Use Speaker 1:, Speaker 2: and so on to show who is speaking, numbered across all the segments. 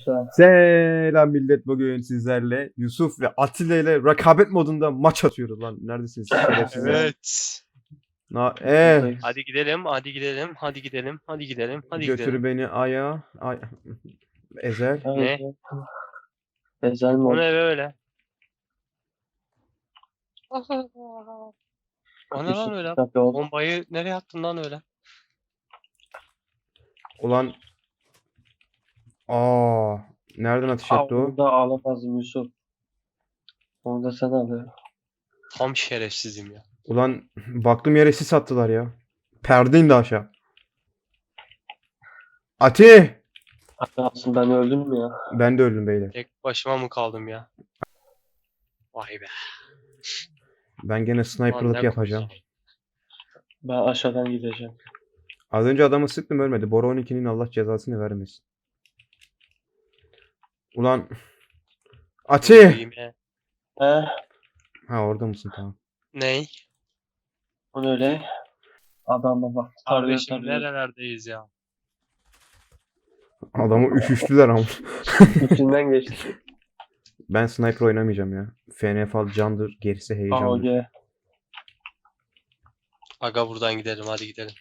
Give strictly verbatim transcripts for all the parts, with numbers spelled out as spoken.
Speaker 1: başla.
Speaker 2: Selam millet, bugün sizlerle Yusuf ve Atilla ile rekabet modunda maç atıyoruz lan. Neredesiniz şerefsizler?
Speaker 3: Evet.
Speaker 2: Na ee,
Speaker 1: Buradayız.
Speaker 3: Hadi gidelim, hadi gidelim, hadi gidelim, hadi gidelim, hadi
Speaker 2: götür
Speaker 3: gidelim.
Speaker 2: beni aya. Ay, Ezel.
Speaker 3: Ne?
Speaker 1: Ezel
Speaker 3: O
Speaker 1: mod.
Speaker 3: ne böyle? O ne lan öyle?
Speaker 1: Tabii o.
Speaker 3: Bombayı nereye attın lan öyle?
Speaker 2: Ulan. Aa, nereden ateş
Speaker 1: Aa,
Speaker 2: etti o?
Speaker 1: onu da alamazdım Yusuf. Onu da sen alıyor.
Speaker 3: Tam şerefsizim ya.
Speaker 2: Ulan baktım yere sis attılar ya. Perde indi aşağı. Ati!
Speaker 1: Aslında ben öldüm mü ya?
Speaker 2: Ben de öldüm beyler.
Speaker 3: Tek başıma mı kaldım ya? Vay be.
Speaker 2: Ben gene
Speaker 3: Lan
Speaker 2: sniperlık
Speaker 3: ne
Speaker 2: yapacağım.
Speaker 3: korktum.
Speaker 1: Ben aşağıdan gideceğim.
Speaker 2: Az önce adamı sıktım, ölmedi. Bora on ikinin Allah cezasını vermesin. Ulan. Ati!
Speaker 3: İyiyim ya.
Speaker 1: He?
Speaker 2: Ha, orada mısın, tamam.
Speaker 3: Ney?
Speaker 1: O ne öyle? Adam baba. Tarıyor
Speaker 3: Kardeşim
Speaker 1: tarıyor.
Speaker 3: nerelerdeyiz ya?
Speaker 2: Adamı üşüştüler ama.
Speaker 1: İçinden geçti.
Speaker 2: Ben sniper oynamayacağım ya. F N F al candır, gerisi
Speaker 1: A O
Speaker 2: heyecandır.
Speaker 1: G.
Speaker 3: Aga buradan gidelim, hadi gidelim.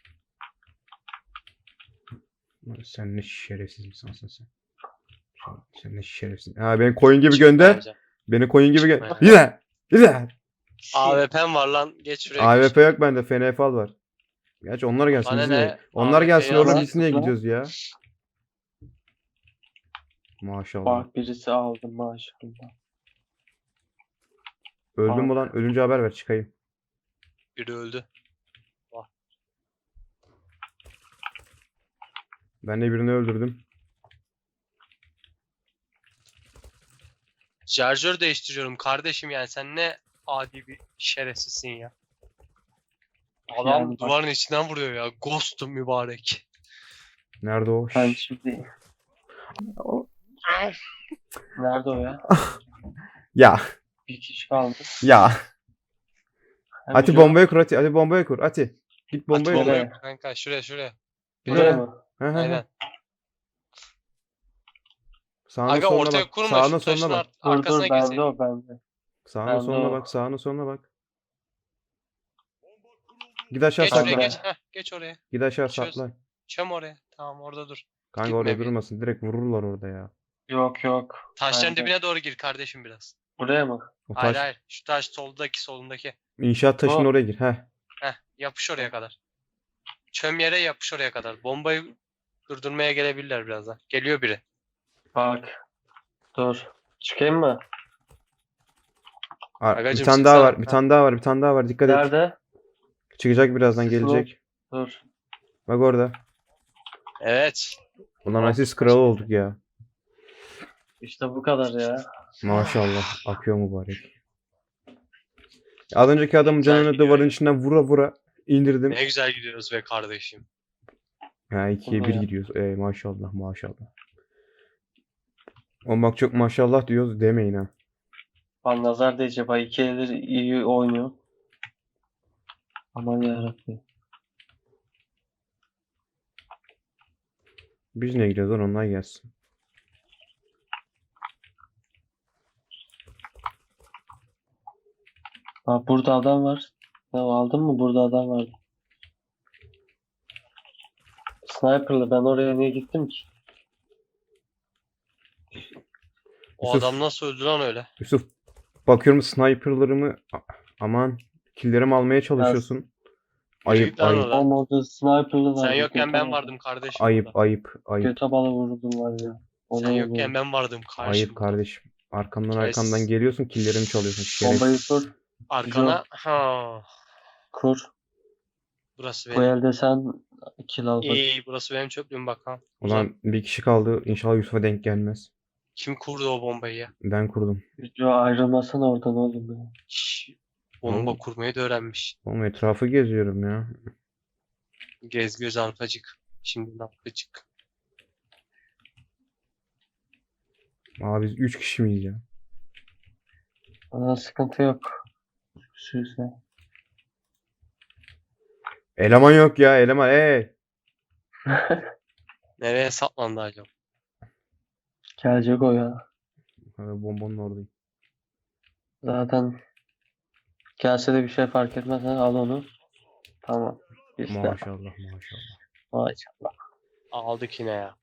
Speaker 2: Sen ne şerefsiz insansın sen. Sen, sen ne şerefsiz. Ha, beni koyun gibi
Speaker 3: Çıkma
Speaker 2: gönder.
Speaker 3: amca.
Speaker 2: Beni koyun gibi gönder.
Speaker 3: Çıkma
Speaker 2: Yine! Yine!
Speaker 3: A W P'm var lan, geç şuraya.
Speaker 2: A W
Speaker 3: geç.
Speaker 2: P yok bende, F N F al var. Gerçi onlar gelsin,
Speaker 3: Bana
Speaker 2: biz
Speaker 3: ne?
Speaker 2: niye? Onlar
Speaker 3: A W P'yi
Speaker 2: gelsin oğlum,
Speaker 3: alsın.
Speaker 2: biz niye
Speaker 1: Lan.
Speaker 2: gidiyoruz ya? Maşallah.
Speaker 1: Bak birisi aldı maşallah.
Speaker 2: Öldüm mü
Speaker 1: Bak.
Speaker 2: lan? Ölünce haber ver, çıkayım.
Speaker 3: Biri öldü.
Speaker 2: Ben de birini öldürdüm.
Speaker 3: Şarjör değiştiriyorum kardeşim, yani sen ne adi bir şerefsizsin ya. Adam
Speaker 1: Yani bak-
Speaker 3: duvarın içinden vuruyor ya. Ghost'um mübarek.
Speaker 2: Nerede o?
Speaker 1: Ben
Speaker 2: Şşş.
Speaker 1: şimdi... O... Nerede o ya?
Speaker 2: Ya.
Speaker 1: Bir kişi kaldı.
Speaker 2: Ya.
Speaker 1: Hem
Speaker 2: Ati
Speaker 1: biri-
Speaker 2: bombayı kur Ati. Ati bombayı kur. Ati. Git bombayı
Speaker 3: Bomba
Speaker 2: kur.
Speaker 1: Nereye?
Speaker 3: yok kanka, şuraya şuraya.
Speaker 1: Buraya
Speaker 2: Buraya.
Speaker 1: mı?
Speaker 2: He he he.
Speaker 3: Aynen.
Speaker 2: Sağına
Speaker 3: Aga
Speaker 2: soluna
Speaker 3: ortaya
Speaker 2: bak.
Speaker 3: kurma,
Speaker 2: Sağına
Speaker 3: şu taşın
Speaker 2: soluna bak.
Speaker 3: ar-
Speaker 1: Dur
Speaker 3: arkasına
Speaker 1: dur bende
Speaker 3: geçelim.
Speaker 1: o bende.
Speaker 2: Sağına
Speaker 1: Ben de
Speaker 2: soluna
Speaker 1: o.
Speaker 2: bak. Sağına soluna bak. Git aşağı
Speaker 3: Geç oraya
Speaker 2: saklan.
Speaker 3: geç. Heh, geç oraya.
Speaker 2: Git aşağı
Speaker 3: Çöz.
Speaker 2: saklan.
Speaker 3: Çöm oraya. Tamam, orada dur.
Speaker 2: Kanka
Speaker 3: Gitme
Speaker 2: orada
Speaker 3: bir.
Speaker 2: durmasın. Direkt vururlar orada ya.
Speaker 1: Yok yok.
Speaker 3: Taşların
Speaker 1: Bende.
Speaker 3: dibine doğru gir kardeşim biraz.
Speaker 1: Buraya mı?
Speaker 2: O
Speaker 3: Hayır
Speaker 2: taş.
Speaker 3: hayır. Şu taş soldaki solundaki.
Speaker 2: İnşaat taşının
Speaker 1: O.
Speaker 2: oraya gir. Heh.
Speaker 3: Heh, yapış oraya kadar. Çöm yere yapış oraya kadar. Bombayı durdurmaya gelebilirler birazdan. Geliyor biri.
Speaker 1: Bak. Dur. Çıkayım mı?
Speaker 2: Ar- bir
Speaker 3: Agacım,
Speaker 2: tane daha
Speaker 3: sıksana.
Speaker 2: var. Bir tane daha var. Bir tane daha var. Dikkat et.
Speaker 1: Nerede?
Speaker 2: Çıkacak birazdan,
Speaker 1: Sıksın
Speaker 2: gelecek.
Speaker 1: Dur.
Speaker 2: Bak orada.
Speaker 3: Evet.
Speaker 2: Ulan asist kralı olduk ya.
Speaker 1: İşte bu kadar ya.
Speaker 2: Maşallah. Akıyor mübarek. Az önceki adamın
Speaker 3: Güzel
Speaker 2: canını
Speaker 3: gidiyor
Speaker 2: duvarın
Speaker 3: ya.
Speaker 2: içinden vura vura indirdim.
Speaker 3: Ne güzel gidiyoruz be kardeşim.
Speaker 2: Ha, ikiye
Speaker 1: Ulan
Speaker 2: bir
Speaker 1: ya.
Speaker 2: gidiyoruz. Ey maşallah maşallah. O bak, çok maşallah diyoruz demeyin ha.
Speaker 1: Ben nazar değecek. Bak iki eldir iyi oynuyor. Aman yarabbim.
Speaker 2: Biz ne gidiyoruz lan, onlar gelsin.
Speaker 1: Bak burada adam var. Ya aldın mı? Burada adam vardı. Sniper'lı ben oraya niye gittim ki?
Speaker 3: O
Speaker 2: Yusuf.
Speaker 3: adam nasıl öldü lan öyle?
Speaker 2: Yusuf, bakıyorum sniperlarımı, a- aman killerimi almaya çalışıyorsun. Ayıp
Speaker 3: git lan
Speaker 2: ayıp
Speaker 3: oradan.
Speaker 1: Oğlum orada sniper'lı vardı.
Speaker 3: Sen yokken
Speaker 1: göte
Speaker 3: ben
Speaker 1: balı.
Speaker 3: vardım kardeşim
Speaker 2: ayıp
Speaker 3: orada.
Speaker 2: ayıp ayıp
Speaker 1: Göte balı vurdum var ya. Ona
Speaker 3: Sen
Speaker 1: vurdum.
Speaker 3: yokken ben vardım
Speaker 2: ayıp
Speaker 3: karşımda.
Speaker 2: kardeşim. Arkamdan
Speaker 3: Kes.
Speaker 2: arkamdan geliyorsun, killerimi çalıyorsun.
Speaker 1: Bombayı
Speaker 2: Şerefsiz.
Speaker 1: kur.
Speaker 3: Arkana. Ha.
Speaker 1: Kur.
Speaker 3: Burası
Speaker 1: Bu
Speaker 3: benim.
Speaker 1: elde sen kill al bak.
Speaker 3: İyi, burası benim çöplüğüm bak ha. Uzan.
Speaker 2: Ulan bir kişi kaldı. İnşallah Yusuf'a denk gelmez.
Speaker 3: Kim kurdu o bombayı ya?
Speaker 2: Ben kurdum.
Speaker 1: Yo ayrılmasana oradan oğlum ya.
Speaker 3: Şşş, bomba
Speaker 2: Oğlum.
Speaker 3: kurmayı da öğrenmiş.
Speaker 2: Oğlum etrafı geziyorum ya.
Speaker 3: Gez göz arpacık. Şimdi arpacık.
Speaker 2: Abi biz üç kişi miyiz ya?
Speaker 1: Bana sıkıntı yok. Sürse.
Speaker 2: Eleman yok ya, eleman. Ey.
Speaker 3: Nereye saplandı acaba?
Speaker 1: Gelecek o ya.
Speaker 2: Ha, bombanın oradayım.
Speaker 1: Zaten gelse de bir şey fark etmez. Ha, al onu. Tamam. İşte.
Speaker 2: Maşallah maşallah.
Speaker 1: Maşallah.
Speaker 3: Aldık yine ya.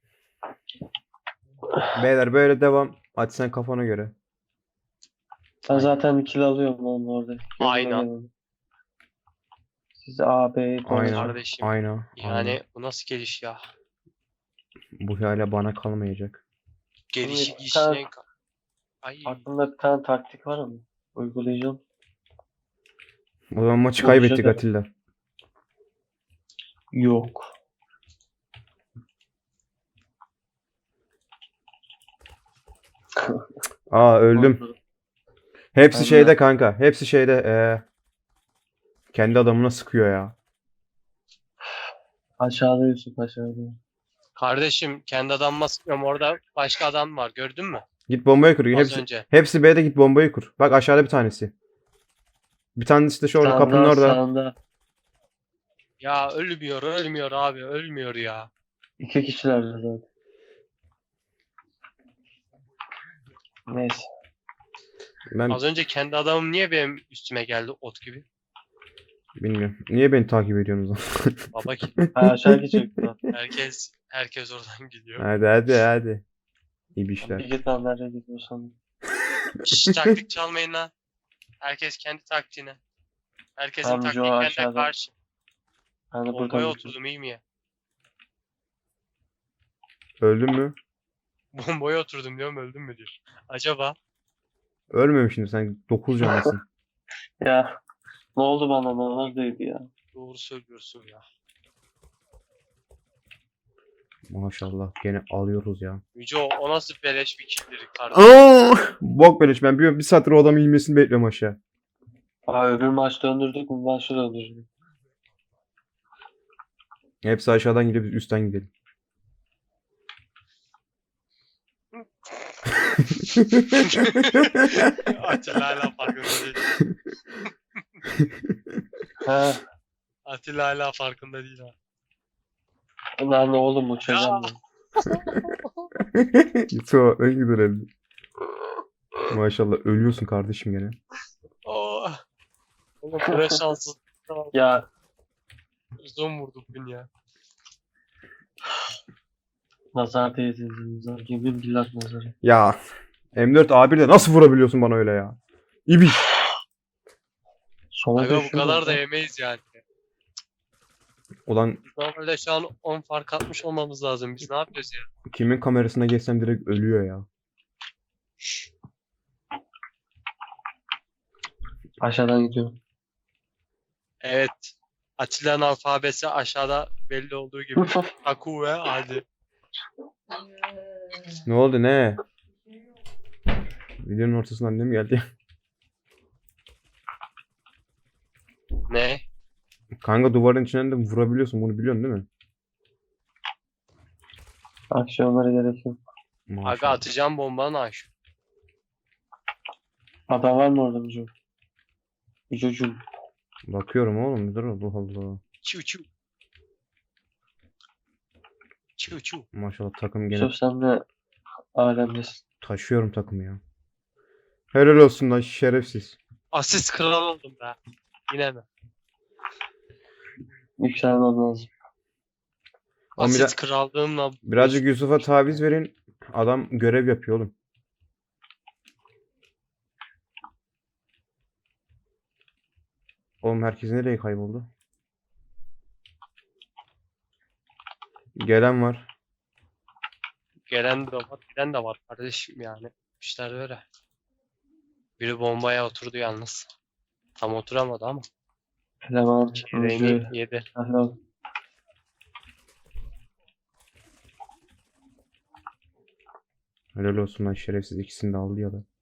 Speaker 2: Beyler böyle devam. Hadi sen kafana göre.
Speaker 1: Ben zaten kill alıyorum onun orada. Yanına
Speaker 3: Aynen.
Speaker 1: gelin. Siz A, B'yi
Speaker 2: Aynen.
Speaker 1: dolaşın.
Speaker 3: Kardeşim.
Speaker 2: Aynen.
Speaker 3: Yani
Speaker 2: aynen.
Speaker 3: bu nasıl geliş ya?
Speaker 2: Bu hala bana kalmayacak.
Speaker 3: Gelişi
Speaker 1: Şimdi
Speaker 3: gişine...
Speaker 1: sen-
Speaker 3: ka- Ay.
Speaker 1: Aklımda bir tane taktik var ama. Uygulayacağım.
Speaker 2: O zaman maçı
Speaker 1: Bu
Speaker 2: kaybettik
Speaker 1: güzel.
Speaker 2: Atilla.
Speaker 1: Yok.
Speaker 2: Aa öldüm. Hepsi
Speaker 1: Ben de.
Speaker 2: şeyde kanka. Hepsi şeyde. Ee, kendi adamına sıkıyor ya.
Speaker 1: Aşağıda Yusuf aşağıda.
Speaker 3: Kardeşim kendi adamıma sıkıyorum. Orada başka adam var. Gördün mü?
Speaker 2: Git bombayı kur.
Speaker 3: Az
Speaker 2: Hepsi,
Speaker 3: önce.
Speaker 2: hepsi B'de git bombayı kur. Bak aşağıda bir tanesi. Bir tanesi de şu orada
Speaker 1: Sağında,
Speaker 2: kapının orada.
Speaker 1: Sağında.
Speaker 3: Ya ölmüyor, ölmüyor abi. Ölmüyor ya.
Speaker 1: İki kişiler zaten. Neyse.
Speaker 2: Ben
Speaker 3: Az önce kendi adamım niye benim üstüme geldi ot gibi?
Speaker 2: bilmiyorum. Niye beni takip ediyorsunuz?
Speaker 3: Baba ki
Speaker 1: Ha, aşağı gidecek.
Speaker 3: herkes herkes oradan gidiyor.
Speaker 2: Hadi hadi hadi. İyi bir
Speaker 1: Bir
Speaker 2: işler.
Speaker 1: git lan nereye gidiyorsan.
Speaker 3: Şşş taktik çalmayın lan. Herkes kendi taktiğine. Herkesin
Speaker 1: Tamam,
Speaker 3: taktiği
Speaker 1: Joe
Speaker 3: kendine
Speaker 1: aşağıda.
Speaker 3: karşı.
Speaker 1: Ben de
Speaker 3: Bombaya
Speaker 1: buradan
Speaker 3: oturdum iyi mi ya?
Speaker 2: Öldün mü?
Speaker 3: Bombaya oturdum diyorum öldüm mü diyor. Acaba?
Speaker 2: Ölmemişsin sen. dokuz canlısın.
Speaker 1: Ya ne oldu bana, ne olduydu ya.
Speaker 3: Doğru söylüyorsun ya.
Speaker 2: Maşallah. Gene alıyoruz ya.
Speaker 3: Yüce o, o nasıl beleş bir killdir kardeşim.
Speaker 2: Aa! Bok beleş. Ben bir, bir saattir o adamın inmesini bekliyorum aşağı.
Speaker 1: Aa, öbür maç döndürdük bu maçı döndürdük.
Speaker 2: Hepsi aşağıdan gidiyor. Biz üstten gidelim.
Speaker 3: Atilla hala farkında değil.
Speaker 1: Ha,
Speaker 3: Atilla hala farkında değil ha.
Speaker 1: lan oğlum uçacağım ben.
Speaker 2: Yusuf en güzel elbi. Maşallah ölüyorsun kardeşim gene.
Speaker 3: Oh. Oğlum böyle şanssız.
Speaker 1: Ya
Speaker 3: Uzun vurduk beni ya.
Speaker 1: nazar değdi, nazar. Yemin billah nazarı.
Speaker 2: Ya M dört A bir de nasıl vurabiliyorsun bana öyle ya? İbiş.
Speaker 1: Sola
Speaker 3: Aga bu
Speaker 1: düşüyor
Speaker 3: kadar da
Speaker 1: lan.
Speaker 3: yemeyiz yani.
Speaker 2: Ulan
Speaker 3: Normalde şu an on fark atmış olmamız lazım. Biz ne yapıyoruz ya?
Speaker 2: kimin kamerasına geçsem direkt ölüyor ya.
Speaker 1: Aşağıdan gidiyorum.
Speaker 3: Evet. Atilla'nın alfabesi aşağıda belli olduğu gibi. Taku ve hadi.
Speaker 2: Ne oldu ne? Videonun ortasından annem geldi.
Speaker 3: Ne?
Speaker 2: Kanka duvarın içinden de vurabiliyorsun bunu biliyorsun değil mi?
Speaker 1: Aksiyonlara gerek yok.
Speaker 3: Aga
Speaker 2: Maşallah.
Speaker 3: atacağım bombanı aş.
Speaker 1: Adam var mı orada Mücüm? Mücüm.
Speaker 2: Bakıyorum oğlum dur Allah Allah.
Speaker 3: Çiu çiu. Çiu çiu.
Speaker 2: Maşallah takım gene
Speaker 1: Yusuf sen de alemdesin.
Speaker 2: taşıyorum takımı ya. Helal olsun lan şerefsiz.
Speaker 3: Asist kral oldum be. Yine mi?
Speaker 1: Yükselmem lazım.
Speaker 2: Oğlum
Speaker 3: Asist
Speaker 2: biraz-
Speaker 3: krallığımla
Speaker 2: Birazcık Yusuf'a taviz verin. Adam görev yapıyor oğlum. Oğlum herkes nereye kayboldu? Gelen var.
Speaker 3: gelen de var, giden de var kardeşim yani. İşler böyle. Biri bombaya oturdu yalnız. Tam oturamadı ama.
Speaker 1: Eleman, Mücü.
Speaker 3: Çeyreğini yedi.
Speaker 1: Helal.
Speaker 2: Helal olsun lan şerefsiz ikisini de aldı ya da.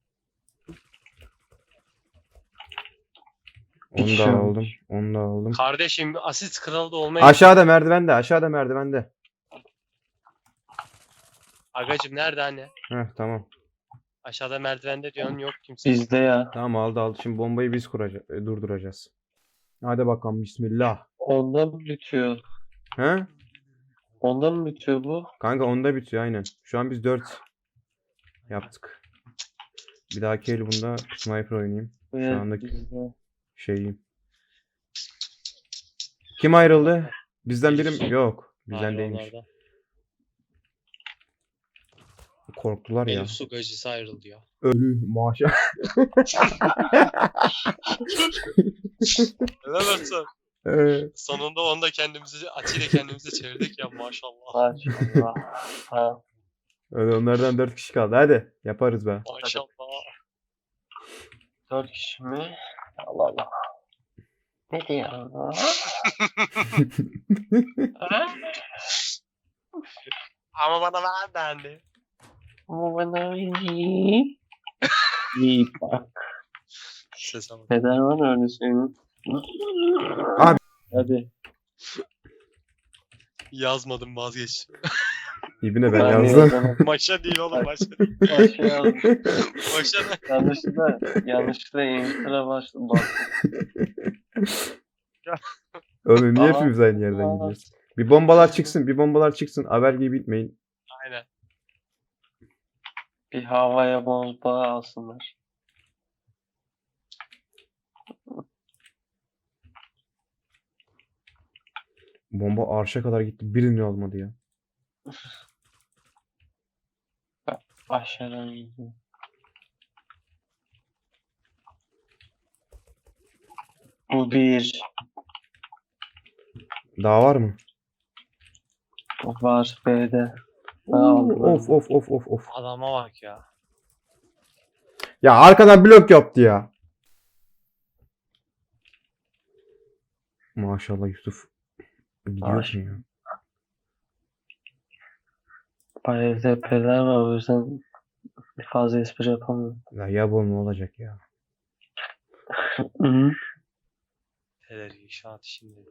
Speaker 2: Onu
Speaker 1: İkisi
Speaker 2: da
Speaker 1: olmuş.
Speaker 2: aldım. Onu da aldım.
Speaker 3: Kardeşim asist kralı da olmayı...
Speaker 2: Aşağıda merdivende. Aşağıda merdivende.
Speaker 3: Agacım nerede anne?
Speaker 2: Heh tamam.
Speaker 3: Aşağıda merdivende diyorsun yok kimse.
Speaker 1: Bizde ya.
Speaker 2: Tamam aldı aldı. Şimdi bombayı biz kuracağız. Durduracağız. Hadi bakalım bismillah.
Speaker 1: Onda mı bitiyor?
Speaker 2: He?
Speaker 1: Onda mı bitiyor bu?
Speaker 2: Kanka onda bitiyor aynen. Şu an biz dört. Yaptık. Bir dahaki el bunda sniper oynayayım.
Speaker 1: Bu
Speaker 2: Şu
Speaker 1: yer
Speaker 2: andaki
Speaker 1: bizde.
Speaker 2: şeyim. Kim ayrıldı? Bizden biri mi? Yok. Bizden
Speaker 3: Hayır,
Speaker 2: değilmiş.
Speaker 3: onlardan.
Speaker 2: Korktular ya.
Speaker 3: Elif su gacısı ayrıldı ya.
Speaker 2: Ölü maşallah.
Speaker 3: Helal olsun.
Speaker 2: Ee,
Speaker 3: Sonunda onu da kendimizi, Ati'yle kendimize çevirdik ya maşallah.
Speaker 1: Maşallah. Ha.
Speaker 2: Öyle onlardan dört kişi kaldı. Hadi yaparız be.
Speaker 3: Maşallah.
Speaker 1: Dört kişi mi? Allah Allah. Ne diyor?
Speaker 3: Ama bana ver dendi.
Speaker 1: Ama bana iyi. İyi bak.
Speaker 3: Sese bak.
Speaker 1: Peder var öyle senin.
Speaker 2: Abi.
Speaker 1: Hadi.
Speaker 3: Yazmadım vazgeçtim.
Speaker 2: İbine ben
Speaker 1: Ben
Speaker 2: yazdım.
Speaker 1: yazdım.
Speaker 3: Maşa değil oğlum maşa.
Speaker 1: Başka yazdım.
Speaker 3: Maşa ne?
Speaker 1: Yanlışlıkla, yanlışlıkla Enter'a başladım. Bak.
Speaker 2: Oğlum niye
Speaker 1: Aha.
Speaker 2: hepimiz aynı yerden
Speaker 1: Aha.
Speaker 2: gidiyoruz? Bir bombalar çıksın, bir bombalar çıksın. Haber gibi bitmeyin.
Speaker 3: Aynen.
Speaker 1: Bir havaya bomba alsınlar.
Speaker 2: Bomba arşa kadar gitti. Birini olmadı ya.
Speaker 1: Aşağıdan gidiyor. Bu bir.
Speaker 2: Daha var mı?
Speaker 1: Var B'de.
Speaker 2: Oo,
Speaker 1: aldım.
Speaker 2: of of of of of.
Speaker 3: Adama bak ya.
Speaker 2: Ya arkadan blok yaptı ya. Maşallah Yusuf. Gidiyorsun ya.
Speaker 1: Bayağı P'ler var o yüzden fazla espri yapamıyorum.
Speaker 2: Ya ya bu ne olacak ya?
Speaker 1: Hı.
Speaker 3: Neler inşaat işinde.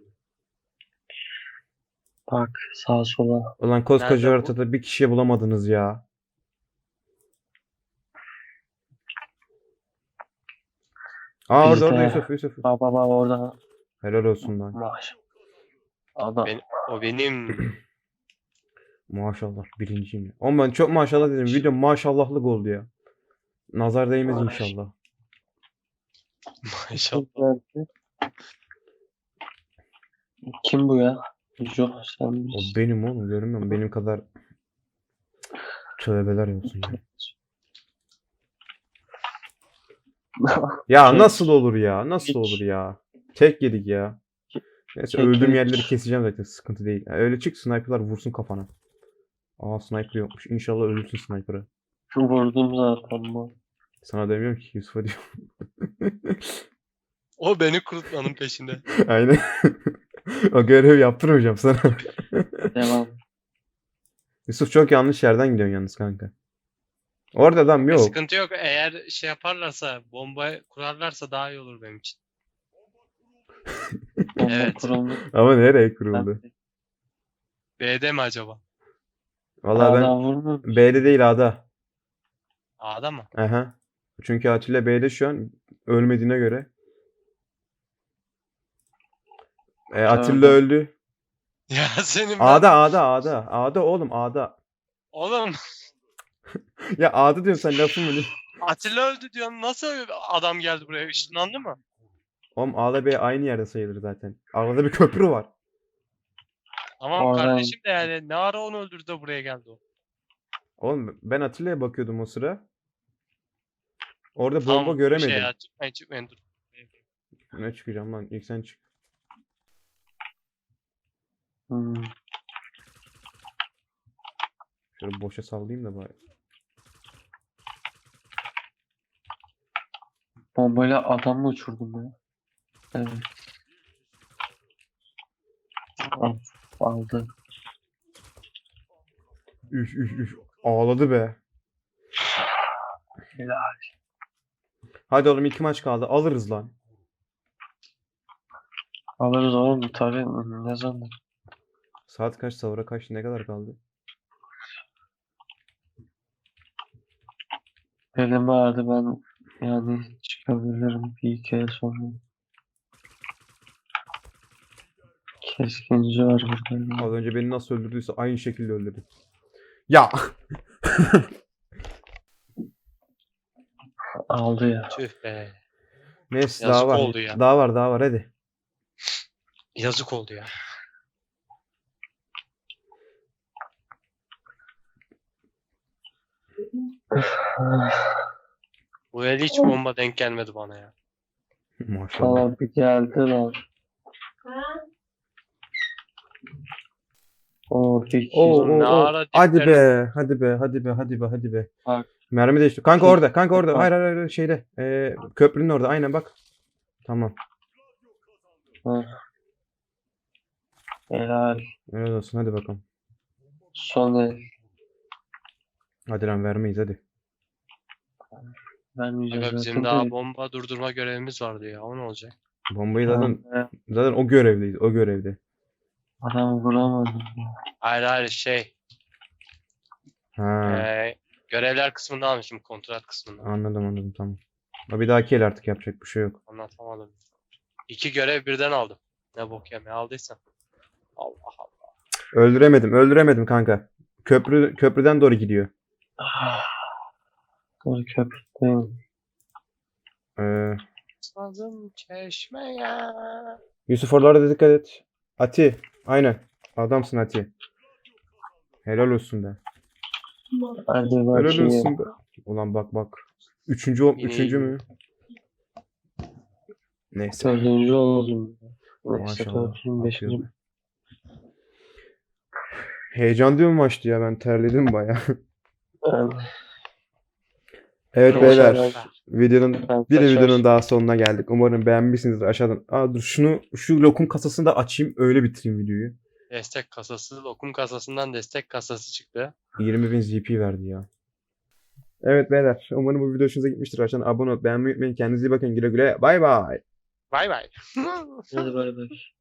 Speaker 1: Bak sağa sola.
Speaker 2: Ulan koskoca
Speaker 3: Nerede bu?
Speaker 2: haritada bir kişiye bulamadınız ya. Aa orada orada
Speaker 1: Bizde.
Speaker 2: Yusuf Yusuf.
Speaker 1: Bak bak bak orada.
Speaker 2: Helal olsun lan.
Speaker 1: Maş. Adam.
Speaker 3: Ben, o benim.
Speaker 2: Maşallah birinciyim ya. Ama ben çok maşallah dedim. Video maşallahlık oldu ya. Nazar değmez
Speaker 1: Maş-
Speaker 2: inşallah.
Speaker 3: Maşallah.
Speaker 1: Kim bu ya? Yok sen
Speaker 2: O
Speaker 1: misin?
Speaker 2: benim oğlum görmüyor musun? Benim kadar tövbeler olsun ya. Ya
Speaker 1: Tek-
Speaker 2: nasıl olur ya? Nasıl olur ya? Tek yedik ya. Neyse
Speaker 1: Tek
Speaker 2: öldüğüm
Speaker 1: yedik.
Speaker 2: yerleri keseceğim zaten. Sıkıntı değil. Yani öyle çık sniper'lar vursun kafana. Aa sniper yokmuş. İnşallah ölürsün sniper'ı.
Speaker 1: Vurdum zaten bu.
Speaker 2: Sana demiyorum ki Yusuf'a diyorum.
Speaker 3: O beni kurutmanın peşinde.
Speaker 2: Aynen. O görevi yaptırmayacağım sana.
Speaker 1: Devam.
Speaker 2: Yusuf çok yanlış yerden gidiyorsun yalnız kanka. Orada adam yok.
Speaker 3: Sıkıntı yok. Eğer şey yaparlarsa, bomba kurarlarsa daha iyi olur benim için.
Speaker 1: Bomba
Speaker 3: Evet.
Speaker 1: kuruldu.
Speaker 2: Ama nereye kuruldu?
Speaker 3: B'de mi acaba?
Speaker 2: Vallahi ben
Speaker 1: Adam vurmuyor.
Speaker 2: B'de değil A'da.
Speaker 3: A'da mı?
Speaker 2: Aha. Çünkü Atilla B'de şu an ölmediğine göre. E, Atilla
Speaker 1: Gördüm.
Speaker 2: öldü.
Speaker 3: Ya senin ben...
Speaker 2: A'da A'da A'da. A'da oğlum A'da.
Speaker 3: Oğlum
Speaker 2: Ya A'da diyorum sen lafın mı?
Speaker 3: Atilla öldü diyorsun. Nasıl adam geldi buraya? Işınlandı mı?
Speaker 2: Oğlum A'da B aynı yerde sayılır zaten. Arada bir köprü var.
Speaker 3: Tamam
Speaker 1: Oradan-
Speaker 3: kardeşim de yani ne ara onu öldürdü de buraya geldi o.
Speaker 2: Oğlum ben Atilla'ya bakıyordum o sıra. Orada bomba
Speaker 3: Tamam,
Speaker 2: göremedim.
Speaker 3: Şey ya, çıkmayın çıkmayın dur.
Speaker 2: Ne çıkacağım lan? İlk sen çık.
Speaker 1: Hmm.
Speaker 2: Şöyle boşa sallayayım da bari.
Speaker 1: Bombayla adam mı uçurdum ya? Evet. Al, aldı.
Speaker 2: Üf üf üf. Ağladı be.
Speaker 1: Helal.
Speaker 2: Hadi oğlum iki maç kaldı. Alırız lan.
Speaker 1: Alırız oğlum tabii. Ne zaman?
Speaker 2: Saat kaç? Sahura kaç? Ne kadar kaldı?
Speaker 1: Elim ağrıdı ben yani çıkabilirim bir iki ay sonra. Keskinci var burada.
Speaker 2: Az önce beni nasıl öldürdüyse aynı şekilde öldürdü. Ya.
Speaker 1: Aldı ya.
Speaker 3: Tüh be.
Speaker 2: Neyse
Speaker 3: Yazık
Speaker 2: daha var.
Speaker 3: oldu ya.
Speaker 2: Daha var daha var hadi.
Speaker 3: Yazık oldu ya. Bu el hiç bomba denk gelmedi bana ya.
Speaker 2: Maşallah.
Speaker 1: Sana bir geldi lan. Oo, bir
Speaker 2: Oo,
Speaker 1: kişi.
Speaker 3: Oğlum ne
Speaker 2: oo, oo.
Speaker 3: ara
Speaker 2: Hadi
Speaker 3: diplerini-
Speaker 2: be, hadi be, hadi be, hadi be, hadi be.
Speaker 1: Bak.
Speaker 2: Mermi değişti. Kanka
Speaker 1: Şey-
Speaker 2: orada, kanka orada.
Speaker 1: Bak.
Speaker 2: Hayır, hayır, hayır, şeyde. Ee, köprünün orada. Aynen bak. Tamam.
Speaker 1: Hı. Helal.
Speaker 2: Öyle olsun. Hadi bakalım.
Speaker 1: Son el.
Speaker 2: Hadi lan vermeyiz hadi.
Speaker 1: Vermeyeceğiz
Speaker 3: Aga bizim
Speaker 1: zaten
Speaker 3: daha
Speaker 1: de.
Speaker 3: bomba durdurma görevimiz vardı ya. O ne olacak?
Speaker 2: Bombayı zaten
Speaker 1: Tamam,
Speaker 2: zaten o görevdeyiz. O görevde.
Speaker 1: adam vuramadım.
Speaker 3: Hayır hayır şey.
Speaker 2: Ha,
Speaker 3: Ee, görevler kısmında almışım. Kontrat kısmında.
Speaker 2: anladım anladım tamam. Ama bir dahaki el artık yapacak bir şey yok.
Speaker 3: Anlatamadım. İki görev birden aldım. Ne bok yemeye aldıysam. Allah Allah.
Speaker 2: Öldüremedim, öldüremedim kanka. Köprü köprüden doğru gidiyor.
Speaker 1: Doğru köprüdeyim.
Speaker 2: Ee,
Speaker 3: Sazım çeşmeye.
Speaker 2: Yusuf oralarda da dikkat et. Ati, aynen. Adamsın Ati. Helal olsun be.
Speaker 1: Hadi
Speaker 2: Helal
Speaker 1: bakayım.
Speaker 2: olsun be. Ulan bak bak. Üçüncü, o-
Speaker 3: Yine
Speaker 2: üçüncü
Speaker 3: iyi.
Speaker 2: mü? Neyse.
Speaker 1: Dördüncü oldum. Neyse
Speaker 2: Maşallah.
Speaker 1: dördüncü, beşinci.
Speaker 2: Atıyoruz. Heyecanlı bir maçtı ya, ben terledim baya.
Speaker 1: Ben,
Speaker 2: Evet
Speaker 1: Boş
Speaker 2: beyler,
Speaker 1: ver.
Speaker 2: videonun
Speaker 1: ben
Speaker 2: bir
Speaker 1: kaçar.
Speaker 2: videonun daha sonuna geldik. Umarım beğenmişsinizdir aşağıdan. Aa dur şunu şu lokum kasasını da açayım, öyle bitireyim videoyu.
Speaker 3: Destek kasası, lokum kasasından destek kasası çıktı.
Speaker 2: yirmi bin Z P verdi ya. Evet beyler, umarım bu video hoşunuza gitmiştir. Aşağıdan abone olup beğenmeyi unutmayın. Kendinize iyi bakın. Güle güle. Bay bay.
Speaker 3: Bay bay.
Speaker 1: Hadi bay bay.